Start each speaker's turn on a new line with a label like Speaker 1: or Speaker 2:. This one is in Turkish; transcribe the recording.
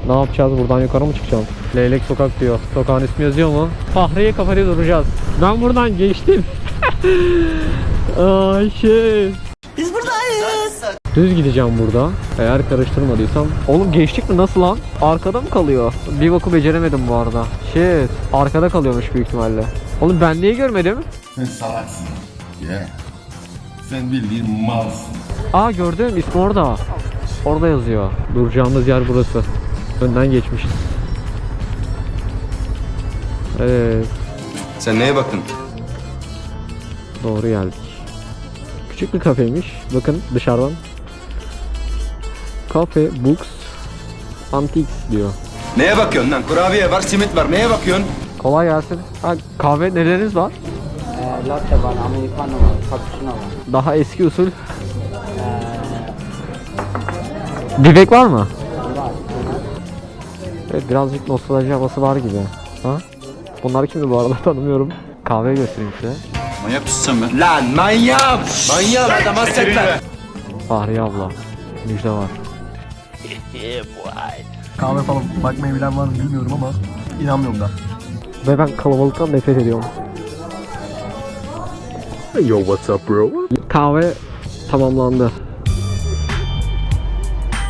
Speaker 1: Ne yapacağız? Buradan yukarı mı çıkacağım? Leylek sokak diyor. Sokağın ismi yazıyor mu? Fahriye kafede duracağız. Ben buradan geçtim. Ay şey.
Speaker 2: Biz buradayız.
Speaker 1: Düz gideceğim burada. Eğer karıştırmadıysam. Oğlum geçtik mi? Nasıl lan? Arkada mı kalıyor? Bir boku beceremedim bu arada. Shit. Arkada kalıyormuş büyük ihtimalle. Oğlum ben niye görmedim?
Speaker 3: Sen salaksın. Yeah. Sen bildiğin malsın.
Speaker 1: Aa gördüm. İsmi orada. Orada yazıyor. Duracağımız yer burası. Önden geçmişiz. Evet.
Speaker 4: Sen neye bakın?
Speaker 1: Doğru geldik. Küçük bir kafeymiş. Bakın dışarıdan. Cafe Books Antiques diyor.
Speaker 4: Neye bakıyorsun lan? Kurabiye var, simit var. Neye bakıyorsun?
Speaker 1: Kolay gelsin. Ha, kahve neleriniz var?
Speaker 5: Latte var, americano var, cappuccino var.
Speaker 1: Daha eski usul. Bibek var mı?
Speaker 5: Var.
Speaker 1: Evet, birazcık nostalji havası var gibi. Ha? Bunlar kimdi bu arada tanımıyorum. Kahve göstereyim size.
Speaker 4: Manyak mısın sen be? Lan manyak! Manyak adam hasretler.
Speaker 1: Fahriye abla. Müjde var.
Speaker 6: Kahve falan bakmayı bilen var mı bilmiyorum ama inanmıyorum da.
Speaker 1: Ve ben kalabalıktan nefret ediyorum.
Speaker 6: Yo what's up bro?
Speaker 1: Kahve tamamlandı.